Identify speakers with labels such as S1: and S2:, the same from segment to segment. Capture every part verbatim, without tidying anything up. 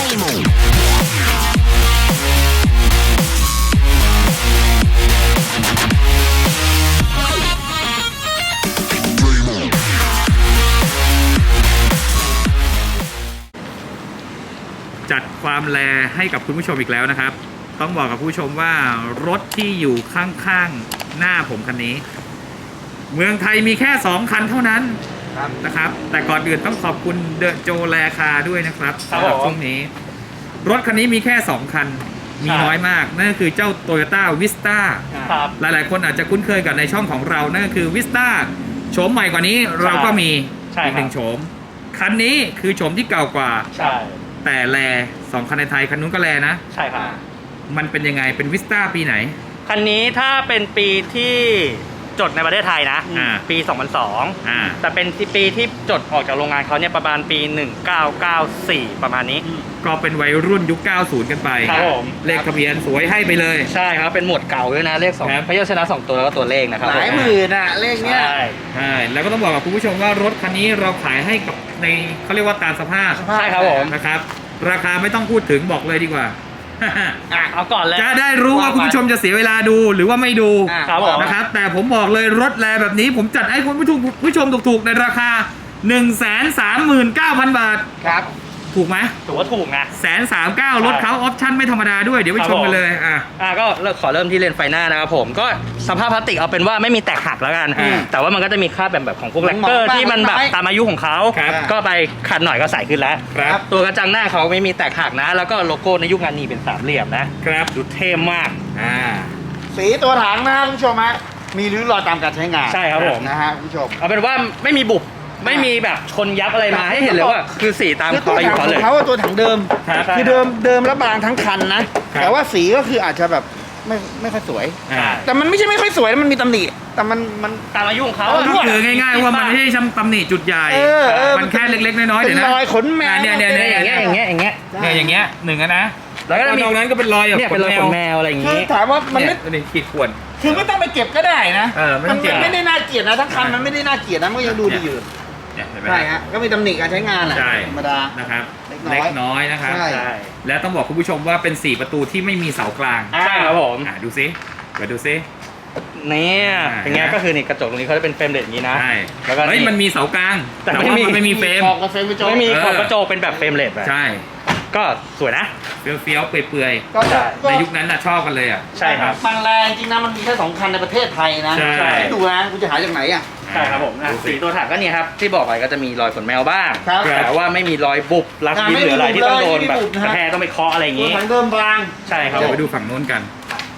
S1: จัดความแลให้กับคุณผู้ชมอีกแล้วนะครับต้องบอกกับผู้ชมว่ารถที่อยู่ข้างๆหน้าผมคันนี้เมืองไทยมีแค่สองคันเท่านั้นนะครับแต่ก่อนอื่นต้องขอบคุณเดอะโจแลคาด้วยนะครับสำหรับช่วงนี้รถคันนี้มีแค่สองคันมีน้อยมากนั่นก็คือเจ้า Toyota Vista หลายๆคนอาจจะคุ้นเคยกับในช่องของเรานั่นก็คือ Vista โฉมใหม่กว่านี้เราก็มีอีกหนึ่งโฉมคันนี้คือโฉมที่เก่ากว่าแต่แลสองคันในไทยคันนู้นก็แลนะ
S2: ใช่ครับ
S1: มันเป็นยังไงเป็น Vista ปีไหน
S2: คันนี้ถ้าเป็นปีที่จดในประเทศไทยนะปีสองพันสองแต่เป็นปีที่จดออกจากโรงงานเขาเนี่ยประมาณปีหนึ่งเก้าเก้าสี่ประมาณนี้
S1: ก็เป็นวัยรุ่นยุคเก้าสิบกันไป
S2: ครับผม
S1: เลขทะเบียนสวยให้ไปเลย
S2: ใช่ครับเป็นหมวดเก่าด้วยนะเลขสองพยัญชนะสองตัวแล้วก็ตัวเลขนะครับ
S3: หลายหมื่นอ่ะเลขเนี้ย
S1: ใช่ใช่แล้วก็ต้องบอกกับคุณผู้ชมว่ารถคันนี้เราขายให้กับในเขาเรียกว่าตามสภาพ
S2: ใช่ครับผม
S1: นะครับราคาไม่ต้องพูดถึงบอกเลยดีกว่า
S2: เอาก่อนเลย
S1: จะได้รู้ว่าคุณผู้ชมจะเสียเวลาดูหรือว่าไม่ดูนะครับแต่ผมบอกเลยรถแลแบบนี้ผมจัดให้คุณผู้ชมผู้ชมถูกๆในราคา หนึ่งแสนสามหมื่นเก้าพัน บาท
S2: ครับ
S1: ถูกไหม
S2: ถือว่าถูกนะ
S1: แสนสามเก้ารถเขาออปชั่นไม่ธรรมดาด้วยเดี๋ยวไปชมกันเลย
S2: อ่ะอ่ะก็ขอเริ่มที่เลนไฟหน้านะครับผมก็สภาพพลาสติกเอาเป็นว่าไม่มีแตกหักแล้วกันแต่ว่ามันก็จะมีคราบแบบแบบของพวกแลกเกอร์ที่มันแบบตามอายุของเขาก็ไปขัดหน่อยก็ใสขึ้นแล้วตัวกระจังหน้าเขาไม่มีแตกหักนะแล้วก็โลโก้ในยุคงานนี้เป็นสามเหลี่ยมนะครับดูเท่มาก
S3: อ่าสีตัวถังนะคุณผู้ชมฮะมีริ้วรอยตามการใช้งาน
S2: ใช่ครับผม
S3: นะฮะคุณผู้ชม
S2: เอาเป็นว่าไม่มีบุบไม่มีแบบชนยับอะไรมาให้เห็นเลยว่าคือสีตาม
S3: ตัวถังของเขาตัวถังเดิมคือเดิมเดิมแล้วบางทั้งคันนะแต่ว่าสีก็คืออาจจะแบบไม่ไม่ค่อยสวยแต่มันไม่ใช่ไม่ค่อยสวยมันมีตำหนิแต่มันมัน
S2: ตามอายุของเขา
S1: ก็คือง่ายๆว่ามันไม่ใช่ตำหนิจุดใหญ่มันแค่เล็กๆน้อยๆเดี๋ยวนะ
S3: รอยขนแมว
S1: เนี่ยเนี่ย
S2: อย่างเงี้ยอย่างเงี้ยอย่างเงี้ย
S1: เนี่ยอย่างเงี้ยหนึ่งนะ
S2: แล้วก็
S1: ตรงนั้นก็เป็นรอย
S2: เนี่ยเป็นรอยขนแมวอะไรอย่างงี้
S3: คือถามว่ามันไม่
S1: ขีดข่วน
S3: คือไม่ต้องไปเก็บก็ได้นะ
S1: มัน
S3: ไม่ได้น่าเกลียดนะทั้งคันมันไม่ได้น่าเกลียดนะมันก็ยังดูดีอยู่ใช่ฮะก็มีตำหนิการใช้งานแหละธรรมดา
S1: นะครับเล็กน้อยนะครับใช่แล้วต้องบอกคุณผู้ชมว่าเป็นสี่ประตูที่ไม่มีเสากลาง
S2: ใช่ครับผม
S1: ดูซิเดี๋ยวดูซิ
S2: เนี่ยอย่างเงี้ยก็คือนี่กระจกตรงนี้เขาจะเป็นเฟรมเด็ดอย่างนี้นะ
S1: ใช่แล้วก็มันมีเสากลางแต่ไม่มีไม่มีเฟรม
S2: ไม่มีขอบกระจกเป็นแบบเฟรมเลด
S1: ใช่
S2: ก็สวยนะ
S1: เฟี้ยวๆเปื่อยๆในยุคนั้นน่ะชอบกันเลยอ่ะ
S2: ใช่ครับ
S3: บางแรงจริงนะมันมีแค่สองคันในประเทศไทยนะ
S1: ใช่
S3: ดูนะคุณจะหาจากไหนอ่ะ
S2: ใช่ครับผมสีตัวถังก็เนี่ยครับที่บอกไปก็จะมีรอยขนแมวบ้างแต่ว่าไม่มีรอยบุบรักยิ้มหรืออะไรที่ต้องโดนแบบกระแทกต้องไปเคาะอะไรอย่างงี้
S3: ถังเดิมบาง
S2: ใช่ครับ
S1: เดี๋ยวไปดูฝั่งโน้นกัน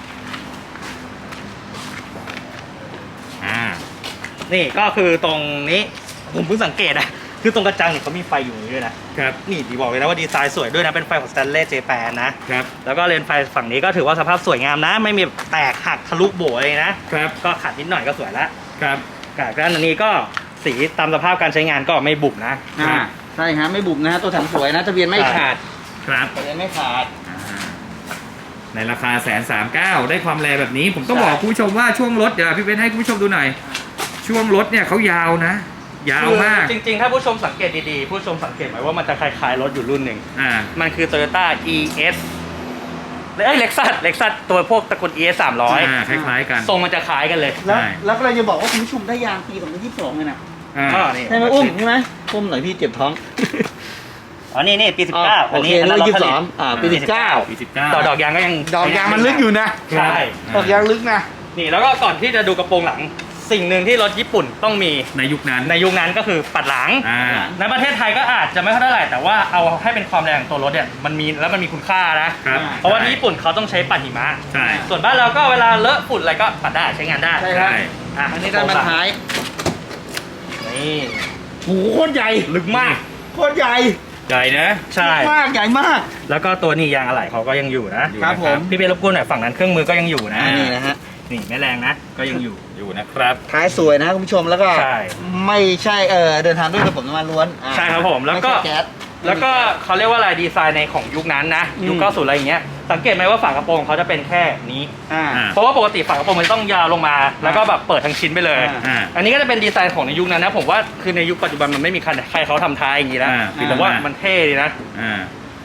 S2: อ่านี่ก็คือตรงนี้ผมเพิ่งสังเกตนะคือตรงกระจังเนี่ยเขามีไฟอยู่นี้ด้วยนะครับนี่ดีบอกเลยนะว่าดีไซน์สวยด้วยนะเป็นไฟของ Stanley Japan นะครับแล้วก็เลนไฟฝั่งนี้ก็ถือว่าสภาพสวยงามนะไม่มีแตกหักทะลุโบเลยนะครับก็ขัดนิดหน่อยก็สวยแล้ว
S1: ครับ
S2: กับด้านนี้ก็สีตามสภาพการใช้งานก็ไม่บุบนะ
S3: อ่าใช่ฮะไม่บุบนะตัวถังสวยนะทะเบียนไม่ขาด
S1: ครับ
S3: ทะเบียนไม่ขาด
S1: ในราคาแสนสามเก้าได้ความแรงแบบนี้ผมต้องบอกคุณผู้ชมว่าช่วงรถเดี๋ยวพี่เบนให้คุณผู้ชมดูหน่อยช่วงรถเนี่ยเขายาวนะยาวมาก
S2: จริงๆถ้าผู้ชมสังเกตดีๆผู้ชมสังเกตไหมว่ามันจะคล้ายๆรถอยู่รุ่นหนึ่ง
S1: อ่า
S2: มันคือ Toyota อี เอส เอ้ย Lexus Lexus ตัวพวกตระกูล อี เอส สามร้อย
S1: อ่าคล้ายๆกัน
S2: ทรงมันจะคล้ายกันเลย
S3: แล้วแล้วเราจะบอกว่าคุณผู้ชมได้ยางปีสองพันยี่สิบสองเลยนะ
S2: อ๋อนี่
S3: ใช่ไหมอุ้มใช่ไหมอุ้มหน่อยพี่เจ็บท้อง
S2: อ๋อนี่นี่ปีสิบเก้า
S3: อันนี้อันนี้ยี่สิบสองอ่าปีสิบเก้า
S1: ปีสิบเก้า
S2: ต่อดอกยางก็ยัง
S3: ดอกยางมันลึกอยู่นะ
S2: ใช่
S3: ดอกยางลึกนะ
S2: นี่แล้วก็ก่อนที่จะดูกระโปรงหลังสิ่งหนึ่งที่รถญี่ปุ่นต้องมี
S1: ในยุคนั้น
S2: ในยุคนั้นก็คือปัดหลังในประเทศไทยก็อาจจะไม่ค่อยเท่าไหร่แต่ว่าเอาให้เป็นความแรงของตัวรถเนี่ยมันมีแล้วมันมีคุณค่านะเพราะว่าที่ญี่ปุ่นเขาต้องใช้ปัดหิมะส่วนบ้านเราก็เวลาเลอะฝุ่นอะไรก็ปัดได้ใช้งานได้
S3: ใช่อ่ะอันนี้ด้านบรรท้าย
S2: นี่
S3: โหโคตรใหญ่
S2: ลึกมาก
S3: โคตรใหญ่
S1: ใหญ่นะ
S2: ใช่
S3: มากใหญ่มาก
S2: แล้วก็ตัวนี้ยางอะไหล่เขาก็ยังอยู่นะครับ
S3: ผม
S2: พี่เบลรบกวนหน่อยฝั่งนั้นเครื่องมือก็ยังอยู่นะ
S3: นี่นะฮะ
S2: นี่ไม่แรงนะก็ยังอยู่
S1: อยู่นะครับ
S3: ท้ายสวยนะคุณผู้ชมแล้วก็ไม่ใช่เออเดินทางด้วยระบบน้ำมันล้วน
S2: ใช่ครับผมแล้วก็แล้วก็เขาเรียกว่าอะไรดีไซน์ในของยุคนั้นนะยุคเก้าสิบอะไรอย่างเงี้ยสังเกตไหมว่าฝากระโปรงเขาจะเป็นแค่นี้เพราะว่าปกติฝากระโปรงมันต้องยาวลงมาแล้วก็แบบเปิดทั้งชิ้นไปเลยอันนี้ก็จะเป็นดีไซน์ของในยุคนั้นนะผมว่าคือในยุคปัจจุบันมันไม่มีใครเขาทำท้ายอย่างนี้แล้วผมว่ามันเท่ดีนะ
S1: เห็นไหม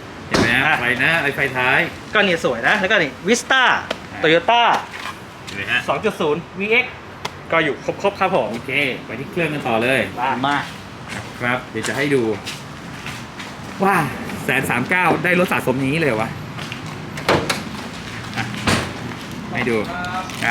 S1: นะ
S2: อ่ะ
S1: ไฟหน้าไอไฟท้าย
S2: ก็นี่สวยนะ แล้วก็นี่วิสต้าโตโยต้า
S1: เห็นไหมฮะ
S2: สองจุดศูนย์ วี เอ็กซ์ ก็อยู่ครบๆครับผม
S1: โอเค ไปที่เครื่องกันต่อเลย
S3: มา
S1: ครับ เดี๋ยวจะให้ดูว้าแสนสามเก้าได้รถสะสมอย่างนี้เลยวะอ่ะให้ดูอ่ะ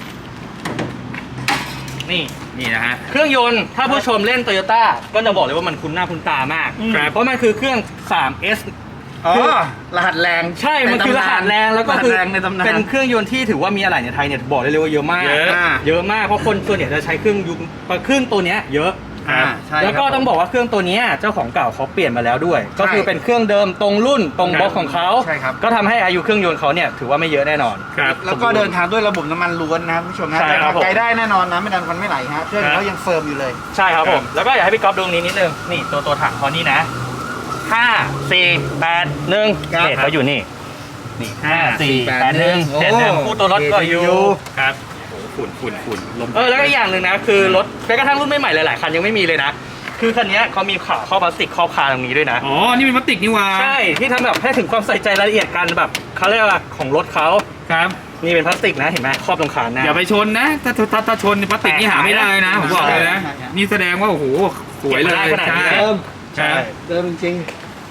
S2: นี่
S1: นี่นะฮะ
S2: เครื่องยนต์ถ้าผู้ชมเล่นโตโยต้าก็จะบอกเลยว่ามันคุ้นหน้าคุ้นตามาก
S1: ครับ
S2: เพราะมันคือเครื่อง ทรี เอส
S3: อ๋อรหัสแรง
S2: ใช่ มันคือรหัสแรงแล้วก็
S3: รหัส
S2: คือ
S3: แรงในตำนาน
S2: เป็นเครื่องยนต์ที่ถือว่ามีอะไรในไทยเนี่ยบอกได้เลยว่าเยอะมาก
S1: เยอะ
S2: เยอะมากเพราะคนส่วนใหญ่จะใช้เครื่องยุคเครื่องตัวเนี้ยเยอะ
S3: อ่าใช่
S2: แล้วก็
S3: ครับ
S2: ต้องบอกว่าเครื่องตัวเนี้ยเจ้าของเก่าเขาเปลี่ยนมาแล้วด้วย ก็คือเป็นเครื่องเดิมตรงรุ่นตรงบล็อกของเขา
S3: ใช่ครับ
S2: ก็ทำให้อายุเครื่องยนต์เขาเนี่ยถือว่าไม่เยอะแน่นอน
S1: ครับ
S3: แล้วก็เดินทางด้วยระบบน้ำมันล้วนนะครับผู้ชมนะ
S2: ใช่ครับผม
S3: ไกลได้แน่นอนนะไม่ดันควันไม่ไหลฮะเครื่อง
S2: ครับ
S3: เขายังเฟิร์มอยู่เลย
S2: ใช่ครับผม แล้วก็อยากให้พี่ก๊อฟดูตรงนี้นิดนึงนี่ตัวตัวถังเขานี่นะห้าสี่แปดหนึ่ง
S3: ครับ
S2: เขตเขาอยู่นี่นี่ห้าสี่
S3: แป
S2: แป
S3: ด
S2: ด
S3: ห
S2: ห
S3: นึ่
S2: นึ่
S3: ง
S2: ง
S3: โอ้
S2: เจ็ดหนึ่งคู่ตัวรถก็อยู่
S1: ครับโอ้โหฝุ่นฝุ่นฝุ่นลม
S2: เออแล้วก็อีกอย่างหนึ่งนะคือรถแม้กระทั่งรุ่นใหม่ๆหลายๆคันยังไม่มีเลยนะ คือคันนี้เขามีขาครอบพลาสติกครอบคาตรงนี้ด้วยนะ
S1: อ๋อ นี่เป็นพลาสติกนี่หว่า
S2: ใช่ที่ทำแบบให้ถึงความใส่ใจรายละเอียดกันแบบเขาเรียกว่าของรถเขา
S1: ครับ
S2: นี่เป็นพลาสติกนะเห็นไหมครอบตรงขาหน้า
S1: อย่าไปชนนะ ถ้าถ้าถ้าชนพลาสติกนี่หาไม่ได้นะ ผมบอกเลยนะ
S3: ใช่ใช่
S1: นี่แสดงว่า โอ้โห สวยเลย
S2: เก็บมาได้ขนาดนี้
S1: ใช่
S3: เดิม
S2: ใช่
S3: เดิมจริง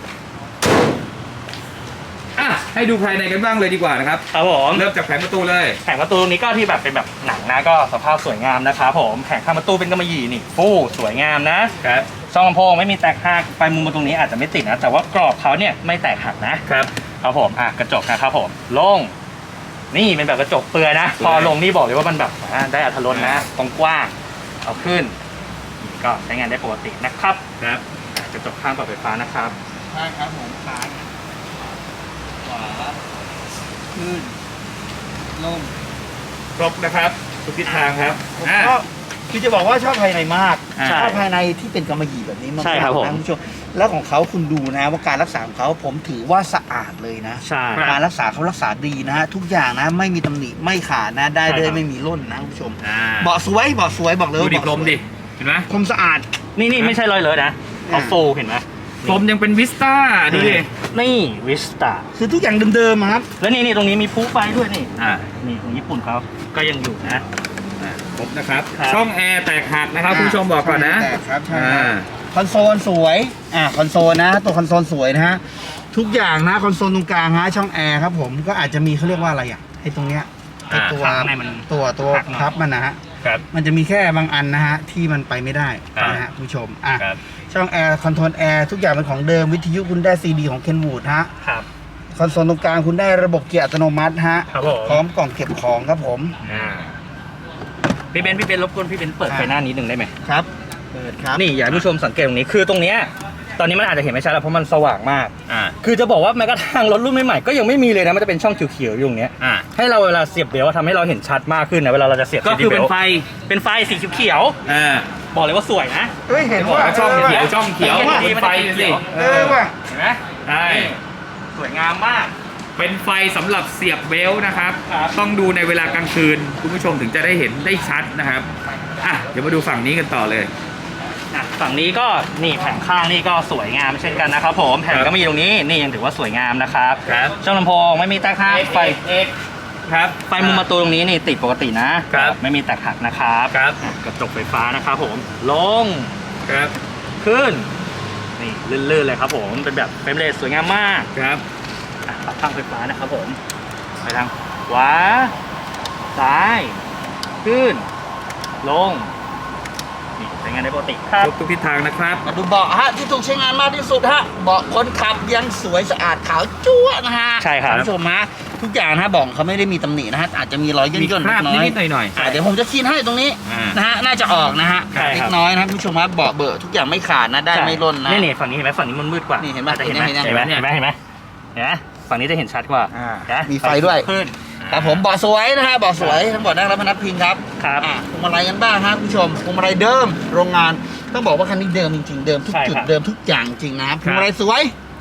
S1: อ่ะ ให้ดูภายในกันบ้างเลยดีกว่านะครับ
S2: ครับผม
S1: เริ่มจากแผงประตูเลย
S2: แผงประตูตรงนี้ก็ที่แบบเป็นแบบหนังนะก็สภาพสวยงามนะครับผมแผงข้างประตูเป็นกำมะหยี่นี่ฟู่สวยงามนะครับ ช่องลำโพงไม่มีแตกหักไฟมุมตรงนี้อาจจะไม่ติดนะ แต่ว่ากรอบเขาเนี่ยไม่แตกหักนะครับ ครับผมอ่ะกระจกนะครับผมโล่งนี่เป็นแบบกระจกเปลือยนะ พอลงนี่บอกเลยว่ามันแบบอ่ะได้อรรถรสนะกว้างๆเอาขึ้นนี่ก็ใช้งานได้ปกตินะครับ
S1: ครับ
S2: อ่ะกระจกข้างปรับไฟฟ้านะครับ
S3: ใช่ครับผมซ้ายขวาขึ้นลง
S1: ครบนะครับ ทุกทิศทางครับ
S3: ผม
S1: อ่ะ
S3: ชอบคือจะบอกว่าชอบภายในมาก
S1: อ่า
S3: ชอบภายในที่เป็นกำมะหยี่แบบนี้มากๆ
S2: ใช่ครับผม
S3: นะคุณผู้ชมแล้วของเขาคุณดูนะว่าการรักษาของเขาผมถือว่าสะอาดเลยนะ
S2: ใช่
S3: การรักษาเขารักษาดีนะฮะทุกอย่างนะไม่มีตำหนิไม่ขาดนะได้
S2: ใช่
S3: เลย
S2: ครับ
S3: ไม่มีร่นนะคุณผู้ชม
S1: อ่า
S3: เบาะสวยเบาะสวยบอกเลย
S1: ดู
S3: ว่า
S1: ดิ
S3: เบาะ
S1: พรม
S3: สวย
S1: ดิ เห็นไหม
S3: พรมสะอาด
S2: นี่นี่ไม่ใช่รอยเลอะนะเอา
S3: อ่า
S2: ฟูเห็นไหม
S1: พรมยังเป็นวิสต้า ดูดิ
S2: นี่วิสตา
S3: คือทุกอย่างเดิมๆอะครับ
S2: แล้วนี่นี่ตรงนี้มีพูไฟด้วยนี่
S1: อ่า
S2: นี่ของญี่ปุ่นเขาก็ยังอยู่นะ
S1: อ่าครบนะครับ
S2: ครับ
S1: ช่องแอร์แตกหักนะครับคุณผู้ชมบอกก่อนนะ
S3: แตกครับใช่
S1: อ่า
S3: คอนโซลสวยอ่าคอนโซลนะ ตัวคอนโซลสวยนะฮะทุกอย่างนะคอนโซลตรงกลางฮะช่องแอร์ครับผมก็อาจจะมีเขาเรียกว่าอะไรอ่ะไอ้ตรงเนี้ยไอ้ตัว
S2: ข้างในมัน
S3: ตัวตัว
S2: หักหน่อย
S3: พับมันนะฮะ
S1: ครับ
S3: มันจะมีแค่บางอันนะฮะที่มันไปไม่ได้
S1: ครับ
S3: นะฮะคุณผู้ชมอ่ะ
S1: ครับ
S3: ช่องแอร์คอนโทรลแอร์ทุกอย่างเป็นของเดิมวิทยุคุณได้ซีดีของเคนวูดฮะ
S2: ครับ
S3: คอนโซลตรงกลางคุณได้ระบบเกียร์อัตโนมัติฮะ
S2: ครับผม
S3: พร้อมกล่องเก็บของครับผม
S2: อ่าพี่เบนซ์พี่เบนซ์รบกวนพี่เบนซ์เปิดไฟหน้านิดหนึ่งได้ไหม
S3: ครับเปิดครับ
S2: นี่อยากให้ผู้ชมสังเกตตรงนี้คือตรงเนี้ยตอนนี้มันอาจจะเห็นไม่ชัดแล้วเพราะมันสว่างมาก
S1: อ่า
S2: คือจะบอกว่าแม้กระทั่งรถรุ่นใหม่ๆก็ยังไม่มีเลยนะมันจะเป็นช่องเขียวๆอยู่ตรงเนี้ย
S1: อ่า
S2: ให้เราเวลาเสียบเบลต์ทำให้เราเห็นชัดมากขึ้นนะเวลาเราจะเสียบ
S1: ก็คือเป็น
S2: ซีดีบลต์
S1: ไฟ
S2: เป็นไฟสีเขียว
S1: อ่า
S2: ๆบอกเลยว่าสวยนะ
S3: เฮ้ยเห็น
S1: บอก
S3: ว่า
S1: ว่าช่องเขียวช่องเขียว
S2: เห็นว่า
S1: เป็นไฟสิ
S3: เออว่ะ
S2: เห็นไหม
S1: ใช่
S2: สวยงามมาก
S1: เป็นไฟสำหรับเสียบเบลต์นะครับ
S2: ครับ
S1: ต้องดูในเวลากลางคืน คุณผู้ชมถึงจะได้เห็นได้ชัดนะครับ อ่ะ เดี๋ยวมาดูฝั่งนี้กันต่อเลย
S2: อ่ะฝั่งนี้ก็นี่แผงข้างนี่ก็สวยงามเช่นกันนะครับผมแผงก็มีตรงนี้นี่ยังถือว่าสวยงามนะครับ
S1: ครับ
S2: ช่องลำโพงไม่มีแตกหักไฟ
S1: ครับ
S2: ไฟมุมประตูตรงนี้นี่ติดปกตินะครับ ไม่มีแตกหักนะครับ
S1: ครับ
S2: อ่ะกระจกไฟฟ้านะครับผมลง
S1: ครับ
S2: ขึ้นนี่ลื่นๆเลยครับผมเป็นแบบเฟรมเรทสวยงามมาก
S1: ครับ
S2: อ่ะปรับข้างไฟฟ้านะครับผมไปทางขวาซ้ายขึ้นลงนี่ใช้งานได้ปกติครับ
S1: ครบทุกทิศทางนะครับ
S3: มาดูเบาะฮะที่ถูกใช้งานมากที่สุดฮะเบาะคนขับยังสวยสะอาดขาวจั๊วะนะฮะ
S2: ใช่ครับ
S3: ณผู้ชมฮะทุกอย่างนะฮะเบาะเขาไม่ได้มีตำหนินะฮะอาจจะมีรอยย่น
S1: มี
S3: ย่น
S1: ค
S3: เล็
S1: ราบ
S3: กน้อย
S1: นิดๆหน่อย
S3: อ่ะเดี๋ยวผมจะคีนให้ตรงนี้
S1: อ่าน
S3: นะฮะน่าจะออกนะฮะ
S2: ใช่ครับ
S3: เล็กน้อยนะคุณผู้ชมฮะเบาะเบอะทุกอย่างไม่ขาดนะได้ไม่ร่นนะ
S2: นี่นี่ฝั่งนี้เห็นไหมฝั่งนี้มันมืดกว่า
S3: นี่เห็นไหม
S2: อาจจะเห็นไหม
S3: เห็นไหม
S2: เห็นไหมเห็นไหมเห็นไหมเห็นไหมฝั่งนี้จะเห็นชัดกว่า
S3: อ่า
S2: นะ
S3: มีไฟด้วย
S2: ขึ้น
S3: ครับผมเบาะสวยนะฮะเบาะสวยทั้งเบาะนั่งและพนักพิงครับ
S2: ครับ
S3: อ่ะพวงมาลัยกันบ้างฮะคุณผู้ชมพวงมาลัยเดิมโรงงานต้องบอกว่าคันนี้เดิมจริงๆเดิมทุก
S2: ใช่
S3: จุด
S2: ครับ
S3: เดิมทุกอย่างจริงนะครับพวงมาลัยสวย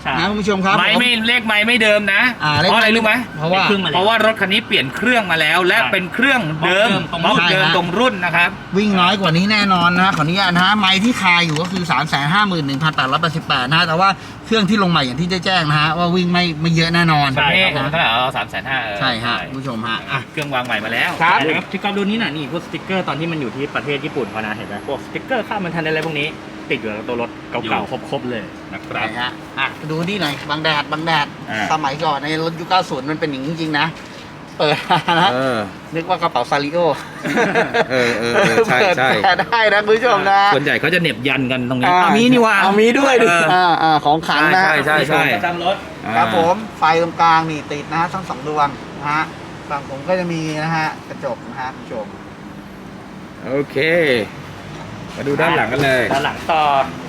S2: ใช่
S3: นะคุณผู้ชมครับ
S1: ไม้ไม่เลขไม้ไม่เดิมนะ
S3: อ่า
S1: เพราะอะไรรู้ไหม
S3: เพราะว่า
S2: เครื่องมาแล้ว
S1: เพราะว่ารถคันนี้เปลี่ยนเครื่องมาแล้ว และ
S2: ใช่
S1: เป็นเครื่องเดิม
S2: ตรง
S1: บล็อก
S2: รุ่น
S1: เดิม
S3: ใช่ฮะ
S1: ตรงรุ่นนะครับ
S3: วิ่งน้อยกว่านี้แน่นอนนะฮะขออนุญาตนะฮะไม้ที่คาอยู่ก็คือ สามแสนห้าหมื่นหนึ่งพันแปดร้อยแปดสิบแปด นะฮะแต่ว่าเครื่องที่ลงใหม่อย่างที่ได้แจ้งนะฮะว่าวิ่งไม่ไม่เยอะแน่นอน
S2: ใช่
S1: นี่
S2: ครับ
S1: เท่าไหร่เอาสามแสนห้า
S3: ใช่ฮะคุณผู้ชมฮะอ่ะ
S1: เครื่องวางใหม่มาแล้ว
S3: ครับ
S2: นะครับที่กอล์ฟดูนี่น่ะนี่พวกสติ๊กเกอร์ตอนที่มันอยู่ที่ประเทศญี่ปุ่นพอนะเห็นไหมพวกสติ๊กเกอร์ค่ามันทันอะไรพวกนี้ ติดอยู่กับตัวรถ
S1: อยู่
S2: เก่าๆครบๆเลยนะครับ
S3: ใช่ฮะอ่ะดูนี่หน่อยบางแดดบางแดด
S1: อ่า
S3: สมัยก่อนในรถยุคเก้าสิบมันเป็นอย่างนี้จริงๆนะ เปิดมานะ
S1: เออ
S3: นึกว่ากระเป๋าซาริโอ
S1: เออเออเออใช่ใช่
S3: เปิดแปลได้นะคุณผู้ชมนะ
S1: ส่วนใหญ่เขาจะเหน็บยันกันตรงนี้
S3: อ่า
S1: เอามีนี่ว่า
S3: เอามีด้วยดิ
S1: เออ
S3: อ่าอ่าของขังนะ
S1: ใช่ใช่ใช่
S2: ประจำรถ
S3: ครับผมไฟตรงกลางนี่ติดนะฮะทั้งสองดวงนะฮะฝั่งผมก็จะมีนะฮะกระจกนะฮะคุณผู้ชม
S1: โอเค มาดูด้านหลังกันเลย
S2: ด้านหลังต่อ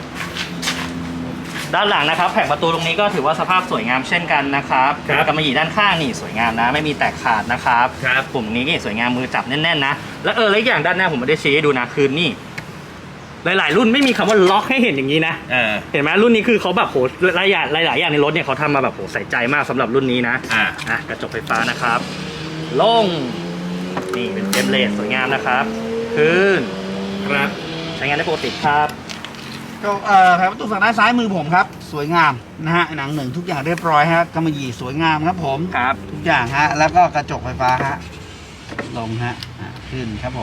S2: ด้านหลังนะครับแผงประตูตรงนี้ก็ถือว่าสภาพสวยงามเช่นกันนะครับ
S1: ครับ
S2: กำมะหยี่ด้านข้างนี่สวยงามนะ ไม่มีแตกขาดนะครับ
S1: ครับ
S2: ปุ่มนี้นี่สวยงามมือจับแน่นๆนะแล้วเออแล้วอีกอย่างด้านหน้าผมไม่ได้ชี้ให้ดูนะคือนี่ หลายๆ รุ่นไม่มีคำว่าล็อกให้เห็นอย่างนี้นะ
S1: เออ
S2: เห็นไหมรุ่นนี้คือเขาแบบโหหลายอย่างหลายๆอย่างในรถเนี่ยเขาทำมาแบบโหใส่ใจมากสำหรับรุ่นนี้นะ
S1: อ่า
S2: อ่ะกระจกไฟฟ้านะครับลงนี่เป็นเฟรมเลสสวยงามนะครับขึ้น
S1: ครับ
S2: ใช้งานได้ปกติครับ
S3: ก็เอ่อแผงประตูฝั่งด้านซ้ายมือผมครับ สวยงามนะฮะหนังหนึ่งทุกอย่างเรียบร้อยฮะกำมะหยี่สวยงามครับผม
S2: ครับ
S3: ทุกอย่างฮะแล้วก็กระจกไฟฟ้าฮะลงฮะอ่ะขึ้นครับผม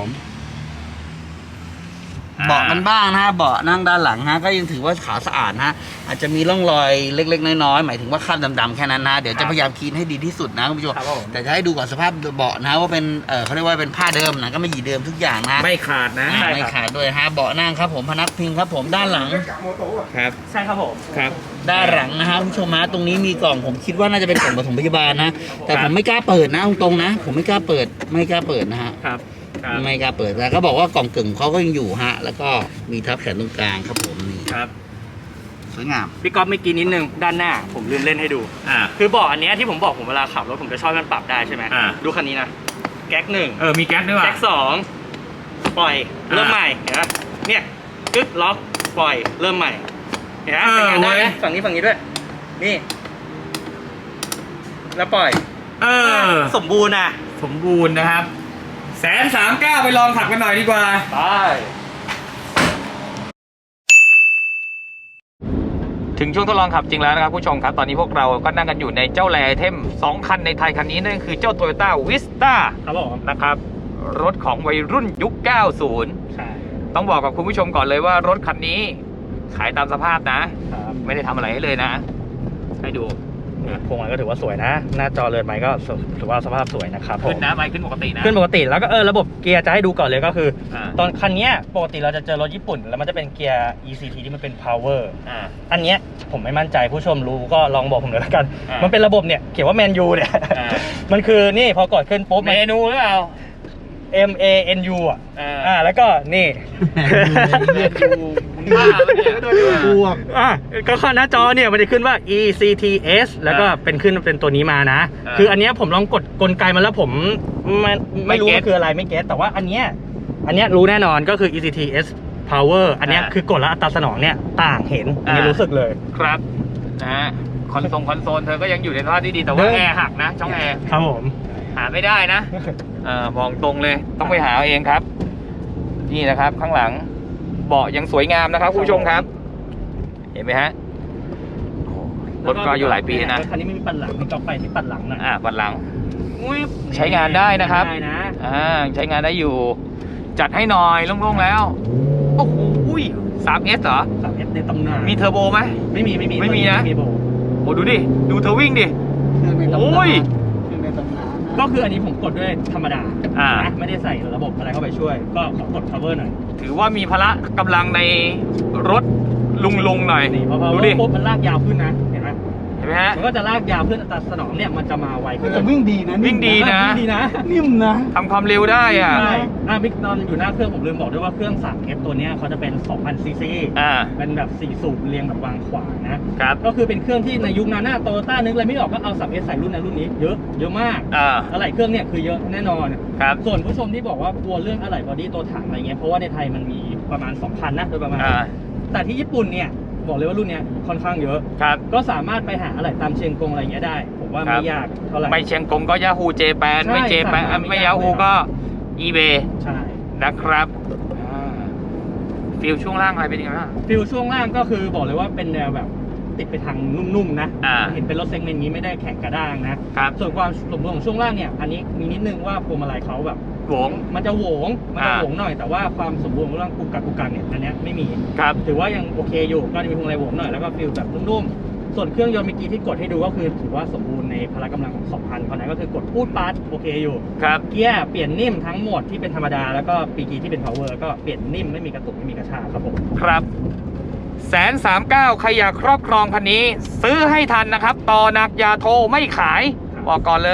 S1: อ่า
S3: เบาะกันบ้างนะฮะเบาะนั่งด้านหลังฮะก็ยังถือว่าขาวสะอาดฮะอาจจะมีร่องรอยเล็กๆน้อยๆหมายถึงว่าคราบดำๆแค่นั้นนะเดี๋ยวจะพยายามคลีนให้ดีที่สุดนะคุณผู้ชม
S2: ครับผม
S3: แต่จะให้ดูก่อนสภาพเบาะนะว่าเป็นเออเขาเรียกว่าเป็นผ้าเดิมนะก็ไม่หยีเดิมทุกอย่างนะ
S1: ไม่ขาดนะ
S3: อ่าไม่ขาดด้วยฮะเบาะนั่งครับผมพนักพิงครับผมด้านหลัง
S1: ครับ
S2: ใช่ครับผม
S1: ครับ
S3: ด้านหลังนะฮะคุณผู้ชมฮะตรงนี้มีกล่องผมคิดว่าน่าจะเป็นกล่องปฐมพยาบาลนะแต่ผมไม่กล้าเปิดนะตรงๆนะ ผมไม่กล้าเปิดไม่กล้าเปิดนะฮะ
S2: ครับครับ
S3: ไม่กล้าเปิดแต่ก็บอกว่ากล่องกึ่งเขาก็ยังอยู่ฮะแล้วก็มีทับแขนตรงกลางครับผมนี่
S2: ครับ
S3: สวยงาม
S2: พี่ก๊อฟเมื่อกี้นิดนึงด้านหน้าผมลืมเล่นให้ดู
S1: อ่า
S2: คือเบาะอันเนี้ยที่ผมบอกผมเวลาขับรถผมจะชอบให้มันปรับได้ใช่ไหม
S1: อ่า
S2: ดูคันนี้นะแก๊กหนึ่ง
S1: เออ มีแก๊สด้วยว่ะ
S2: แก๊กสองปล่อยเริ่ม
S1: อ่า
S2: ใหม่เห็นไหมเนี่ยกึ๊กล็อกปล่อยเริ่มใหม่เห็นไหม
S1: เออ
S2: ใช้งานได้
S1: เว้
S2: ไหม
S1: ย
S2: ฝั่งนี้ฝั่งนี้ด้วย นี่ แล้วปล่อย
S1: เออ
S2: สมบูรณ์นะ
S1: สมบูรณ์นะครับ แสนสามเก้าไปลองขับกันหน่อยดีกว่า
S2: ไป
S1: ถึงช่วงทดลองขับจริงแล้วนะครับผู้ชมครับ ตอนนี้พวกเราก็นั่งกันอยู่ในเจ้าแรไอเทมสองคันในไทยคันนี้นั่นคือเจ้า Toyota Vista
S2: ครับผม
S1: นะครับ รถของวัยรุ่นยุค เก้าสิบ
S2: ใช่
S1: ต้องบอกกับคุณผู้ชมก่อนเลยว่ารถคันนี้ขายตามสภาพนะ
S2: ครับ
S1: ไม่ได้ทำอะไรให้เลยนะ ให้ดู
S2: นี่พวงมาลัยก็ถือว่าสวยนะ หน้าจอเรือนไม้ก็ถือว่าสภาพสวยนะครับผม
S1: ขึ้นนะไปขึ้นปกตินะ
S2: ขึ้นปกติแล้วก็เออระบบเกียร์จะให้ดูก่อนเลยก็คือ
S1: อ่า
S2: ตอนคันเนี้ยปกติเราจะเจอรถญี่ปุ่น แล้วมันจะเป็นเกียร์ อี ซี ที ที่มันเป็น power
S1: อ่า
S2: อันเนี้ยผมไม่มั่นใจผู้ชมรู้ก็ลองบอกผมเลยแล้วกัน
S1: อ่ามั
S2: มันเป็นระบบเนี่ยเขียนว่าแมนยูเนี่ย
S1: อ่า
S2: มันคือนี่พอกดขึ้นปุ๊บ
S1: เมนูหรือเปล่า
S2: M A N U อ่ะ
S1: อ่า
S2: อ่าแล้วก็นี่
S1: เมนูบ้าปะเนี่ย
S3: บวก
S2: อ่ะก็ข้อหน้าจอเนี่ยมันจะขึ้นว่า E C T S แล้วก็เป็นขึ้นเป็นตัวนี้มานะ
S1: อ่า
S2: คืออันเนี้ยผมลองกดกลไกมันแล้วผมมันไม่รู้
S1: ไม่เก็ต
S2: ว่าคืออะไรไม่เก็ตแต่ว่าอันเนี้ยอันเนี้ยรู้แน่นอนก็คือ E C T S Power อันเนี้ย
S1: อ่า
S2: คือกดแล้วอัตราสนองเนี่ยต่างเห็นอันนี้
S1: อ่ารู้
S2: รู้สึกเลย
S1: ครับนะฮะคอนโซลคอนโซลเธอก็ยังอยู่ในสภาพที่ดีแต่ว่า
S2: เดิน
S1: แอร์หักนะ ช่องแอร์
S2: ครับผม
S1: หาไม่ได้นะเออมองตรงเลยต้องไปหาเอาเองครับ นี่นะครับ ข้างหลังเบาะยังสวยงามนะครับคุณผู้ชมครับ เห็นไหมฮะโอ้โหรถก็อายู่หลายปีนะ
S2: คันนี้ไม่มีปัดหลังมีจอไปที่ปัดหลังนะ
S1: อ่าบันหลังอุ๊ยใช้งานได้นะครับ
S2: ได้นะ
S1: อ่าใช้งานได้อยู่ จัดให้หน่อยโล่งๆแล้วโอ้โหสามเอสเหรอ
S2: สามเอสในตำนาน
S1: มีเทอร์โบไหม
S2: ไม่มีไม่มี
S1: ไม่มีนะ
S2: ไม่มีโบ
S1: โอ้ดูดิดูเธอวิ่งดิ
S3: คือในตำนาน
S1: โอ้ย
S3: คือในตำนานนะ
S2: ก็คืออันนี้ผมกดด้วยธรรมดา
S1: อ่า
S2: นะไม่ได้ใส่ระบบอะไรเข้าไปช่วย ก็ขอกด cover หน่อย
S1: ถือว่ามีพละกำลังในรถลุงๆหน่อย
S2: นี่พอ
S1: ดู
S2: cover
S1: ดิ
S2: ปุ๊บมันลากยาวขึ้นนะเห็นไหม
S1: เห็นไหมฮะ
S2: มันก็จะลากยาวขึ้นอัตราสนองเนี่ยมันจะมาไวขึ้น
S3: แต่วิ่งดีนะ
S1: วิ่งดีนะ
S2: ดีนะ
S3: นิ่มนะ
S1: ทำความเร็วได้อ่ะ
S2: ใช่อ่าบิ๊กตอนอยู่หน้าเครื่องผมลืมบอกด้วยว่าเครื่อง สามเอฟ ตัวเนี้ยเขาจะเป็น สองพัน ซี ซี
S1: อ่า
S2: เป็นแบบสี่สูบเรียงแบบวางขวางนะครับ ก็คือเป็นเครื่องที่ในยุคนั้นโตโยต้านึกอะไรไม่ออกก็เอา สามเอส ใส่รุ่นนั้นรุ่นนี้เยอะเยอะมาก
S1: อ่า
S2: อะไรเครื่องเนี่ยคือเยอะแน่นอน
S1: ครับ
S2: ส่วนผู้ชมที่บอกว่ากลัวเรื่องอะไหล่บอดี้ตัวถังอะไรเงี้ยเพราะว่าในไทยมันมีประมาณ สองพัน นะโดยประมาณ
S1: อ่า
S2: แต่ที่ญี่ปุ่นเนี่ยบอกเลยว่ารุ่นเนี้ยค่อนข้างเยอะ
S1: ครับ
S2: ก็สามารถไปหาอะไรตามเชียงกงอะไรเงี้ยได้ผมว่า
S1: ครั
S2: ไม่
S1: บ
S2: ยากเท่าไหร่
S1: ไม่เชียงกงก็ยาฮูเจแปน
S2: ใช่
S1: ไม่เจแปน
S2: สั่งมา
S1: ไม่
S2: ไม่ยาก
S1: ยาฮู
S2: เลย
S1: ก็อีเบ
S2: ใช่
S1: นะครับฟิลช่วงล่างอะไรเป็นยังไงบ้าง
S2: ฟิลช่วงล่างก็คือบอกเลยว่าเป็นแนวแบบติดไปทางนุ่มๆนะ
S1: อ่า
S2: เห็นเป็นรถเซกเมนต์นี้ไม่ได้แข็งกระด้างนะครับ ส่วนความสมบูรณ์ของช่วงล่างเนี่ยอันนี้มีนิดนึงว่าพวงมาลัยเขาแบบ
S1: โหวง
S2: มันจะโหวงมันจะ
S1: อ่า
S2: โหวงหน่อยแต่ว่าความสมบูรณ์ของเรื่องกุกกักกุกกักเนี่ยอันเนี้ยไม่มี
S1: ครับ
S2: ถือว่ายังโอเคอยู่ก็จะมีพวงมาลัยโหวงหน่อยแล้วก็ฟิลแบบนุ่มๆส่วนเครื่องยนต์เมื่อกี้ที่กดให้ดูก็คือถือว่าสมบูรณ์ในพละกำลังของสองพันเขานะก็คือกดพูดปัดโอเคอยู่
S1: ครับ
S2: เกียร์เปลี่ยนนิ่มทั้งหมดที่เป็นธรรมดาแล้วก็ปีกีที่เป็น power ก็เปลี่ยนนิ่มไม่มีกระตุกไม่มีกระชากครับผม
S1: ครับแสนสามเก้าใครอยากครอบครองคันนี้ ซื้อให้ทันนะครับ ต่อหนักอยาโทรไม่ขาย บอกก่อนเลย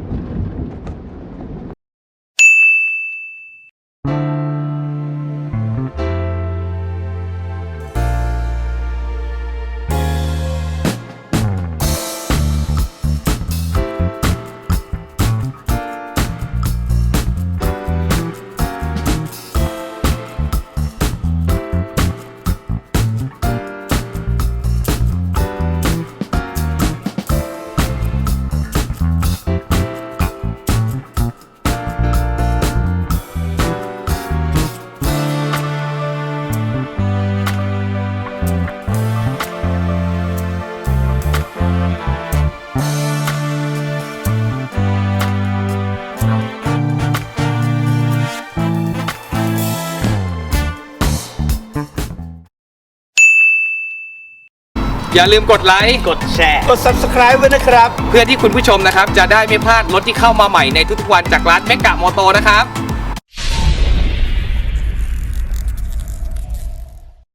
S1: อย่าลืมกดไลค์
S2: กดแชร์
S3: กด subscribe ไว้นะครับ
S1: เพื่อที่คุณผู้ชมนะครับ จะได้ไม่พลาดรถที่เข้ามาใหม่ในทุกๆวันจากร้านเมกะมอโตนะครับ